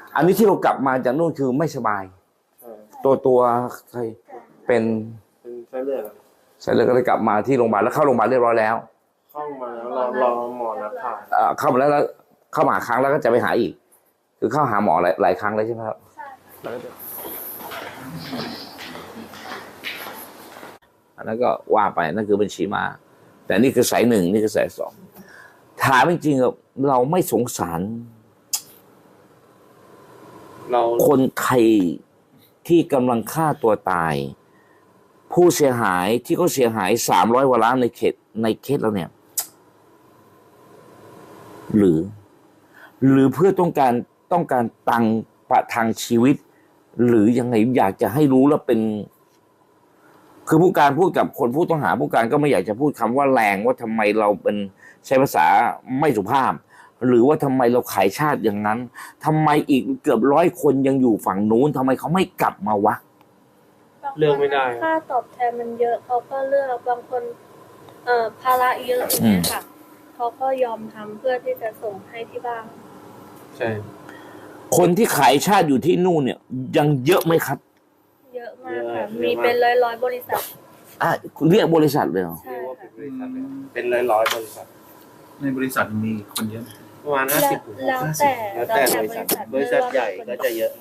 อันนี้ที่เรากลับมาจากนู่นคือไม่สบาย ตัวใครเป็นไส้เลือดเสร็จแล้วก็เลยกลับมาที่โรงพยาบาลแล้วเข้าโรงพยาบาลเรียบร้อยแล้วเข้ามาแล้วรอหมอนัดผ่าเข้ามาแล้วเข้ามาครั้งแล้วก็จะไปหาอีกคือเข้าหาหมอหลายครั้งเลยใช่ไหมครับอันนั้นก็ว่าไปนั่นคือบัญชีมาแต่นี่คือสายหนึ่งนี่คือสายสองถามจริงๆเราไม่สงสารคนไทยที่กำลังฆ่าตัวตายผู้เสียหายที่เขาเสียหาย300 กว่าล้านในเคสเราเนี่ยหรือเพื่อต้องการตังค์ประทังชีวิตหรือยังไงอยากจะให้รู้แล้วเป็นคือผู้การพูดกับคนผู้ต้องหาผู้การก็ไม่อยากจะพูดคำว่าแรงว่าทำไมเราเป็นใช้ภาษาไม่สุภาพหรือว่าทำไมเราขายชาติอย่างนั้นทำไมอีกเกือบ100 คนยังอยู่ฝั่งนู้นทำไมเขาไม่กลับมาวะเลือกไม่ได้ค่าตอบแทนมันเยอะเขาก็เลือกบางคนภาระเยอะอย่างเงี้ยค่ะเขาก็ยอมทำเพื่อที่จะส่งให้ที่บ้านใช่คนที่ขายชาติอยู่ที่นู่นเนี่ยยังเยอะไหมครับเยอะมากค่ะมีเป็นร้อยบริษัทเรียกบริษัทเลยเหรอใช่ค่ะเป็นร้อยบริษัทในบริษัทมีคนเยอะประมาณ50 แล้วแต่บริษัทใหญ่ก็จะเยอะ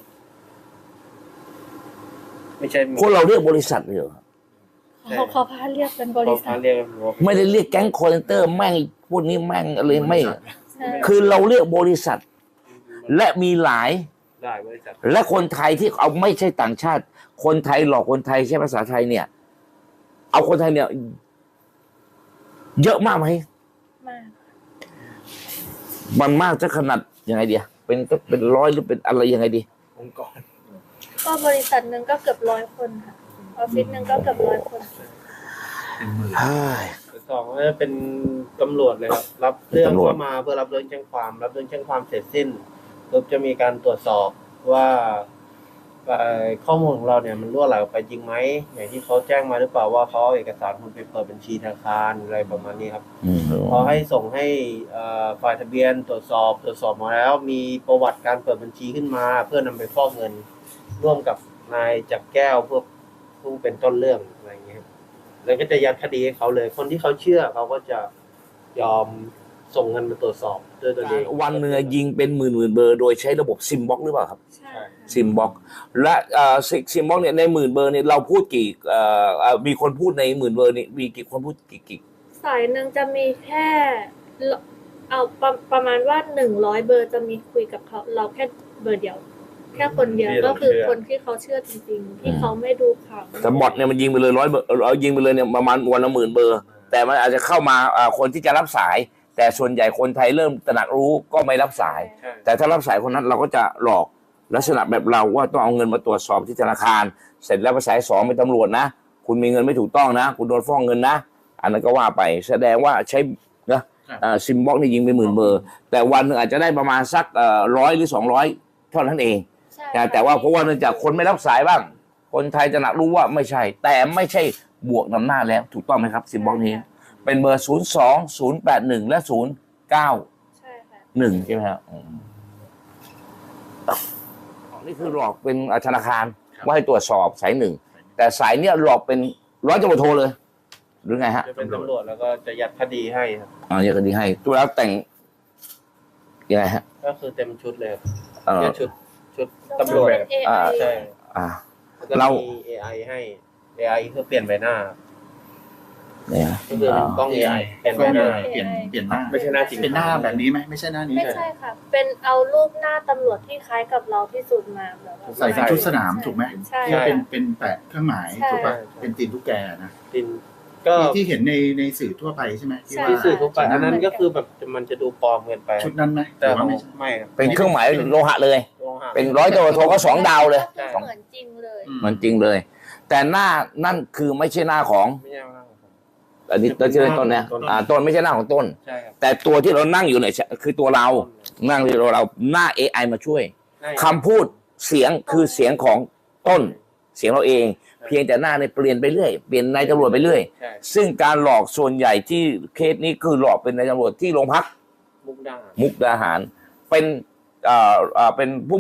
ไม่ใช่คนเราเรียกบริษัทเลยเหรอเขาพาเรียกเป็นบริษัทไม่ได้เรียกแก๊งคอร์เซนเตอร์แม่งพวกนี้แม่งอะไรไม่คือเราเรียกบริษัทและมีหลายบริษัทและคนไทยที่เอาไม่ใช่ต่างชาติคนไทยหลอกคนไทยใช้ภาษาไทยเนี่ยเอาคนไทยเนี่ยเยอะมากไหมมากมันมากจะขนาดยังไงดีเป็นร้อยหรือเป็นอะไรยังไงดีองค์กรก็บริษัทหนึ่งก็เกือบ100 คนค่ะออฟฟิศหนึ่งก็เกือบ100 คนสองก็จะเป็นตำรวจเลยครับรับเรื่องเข้ามาเพื่อรับเรื่องแจ้งความเสร็จสิ้นปุ๊บจะมีการตรวจสอบว่าข้อมูลของเราเนี่ยมันรั่วไหลออกไปจริงไหมอย่างที่เขาแจ้งมาหรือเปล่าว่าเขาเอาเอกสารคุณไปเปิดบัญชีธนาคารอะไรประมาณนี้ครับพอให้ส่งให้ฝ่ายทะเบียนตรวจสอบมาแล้วมีประวัติการเปิดบัญชีขึ้นมาเพื่อนำไปฟอกเงินร่วมกับนายจักรแก้วเพื่อผู้เป็นต้นเรื่องอะไรอย่างเงี้ยแล้วก็จะยัดคดีให้เขาเลยคนที่เขาเชื่อเขาก็จะยอมส่งเงินมาตรวจสอบด้วยตัวเองวันเนื้อยิงเป็นหมื่นเบอร์โดยใช้ระบบซิมบ็อกหรือเปล่าครับใช่ซิมบ็อกและซิมบ็อกเนี่ยใน10,000 เบอร์เนี่ยเราพูดกี่มีคนพูดใน10,000 เบอร์นี่มีกี่คนพูดกี่สายหนึ่งจะมีแค่เอาประมาณว่า100 เบอร์จะมีคุยกับเขาเราแค่เบอร์เดียวแค่คนเดียวก็คือคนที่เขาเชื่อจริงๆที่เขาไม่ดูข่าวแต่บอทเนี่ยมันยิงไปเลย100 เบอร์เอายิงไปเลยเนี่ยประมาณวันละ10,000 เบอร์แต่มันอาจจะเข้ามาคนที่จะรับสายแต่ส่วนใหญ่คนไทยเริ่มตระหนักรู้ก็ไม่รับสายแต่ถ้ารับสายคนนั้นเราก็จะหลอกลักษณะแบบเราว่าต้องเอาเงินมาตรวจสอบที่ธนาคารเสร็จแล้วไปสาย2เป็นตำรวจนะคุณมีเงินไม่ถูกต้องนะคุณโดนฟ้องเงินนะอันนั้นก็ว่าไปแสดงว่าใช้นะซิมบ็อกนี่ยิงไป10,000 เบอร์แต่วันนึงอาจจะได้ประมาณสัก100 หรือ 200เท่านั้นเองแต่ว่าเพราะว่าเนื่องจากคนไม่รับสายบ้างคนไทยจะหนักรู้ว่าไม่ใช่แต่ไม่ใช่บวกนำหน้าแล้วถูกต้องไหมครับซิมบ็อกนี้เป็นเบอร์02-081และ091ใช่ไหมครับนี่คือหลอกเป็นธนาคารว่าให้ตรวจสอบสายหนึ่งแต่สายเนี้ยหลอกเป็นร้อยตำรวจโทเลยหรือไงฮะจะเป็นตำรวจแล้วก็จะยัดคดีให้ครับยัดคดีให้ตัวแล้วแต่งยังไงฮะก็คือเต็มชุดเลยชุดตำรวจใช่เรามี AI ให้ AI เพื่อเปลี่ยนใบหน้าเนี่ยก็คือต้อง AI เปลี่ยนใบหน้าเปลี่ยนหน้าไม่ใช่หน้าจริงเป็นหน้าแบบนี้ไหมไม่ใช่หน้านี้ไม่ใช่ค่ะเป็นเอารูปหน้าตำรวจที่คล้ายกับเราที่สุดมาแบบใส่เป็นชุดสนามถูกไหมใช่เป็นแปะเครื่องหมายถูกป่ะเป็นตีนตุ๊กแกนะตีนก็ที่เห็นในสื่อทั่วไปใช่ไหมที่สื่อทั่วไปอันนั้นก็คือแบบมันจะดูปลอมเกินไปชุดนั้นไหมแต่ไม่เป็นเครื่องหมายโลหะเลยเป็นร้อยตำรวจโทก็2 ดาวเลยเหมือนจริงเลยเหมือนจริงเลยแต่หน้านั่นคือไม่ใช่หน้าของอันนี้ต้นต้นเนี่ยต้นไม่ใช่หน้าของต้นแต่ตัวที่เรานั่งอยู่เนี่ยคือตัวเรานั่งที่เราหน้า AI มาช่วยคำพูดเสียงคือเสียงของต้นเสียงเราเองเพียงแต่หน้าเนี่ยเปลี่ยนไปเรื่อยเปลี่ยนนายตำรวจไปเรื่อยซึ่งการหลอกส่วนใหญ่ที่เคสนี้คือหลอกเป็นนายตำรวจที่โรงพักมุกดาหารเป็นผู้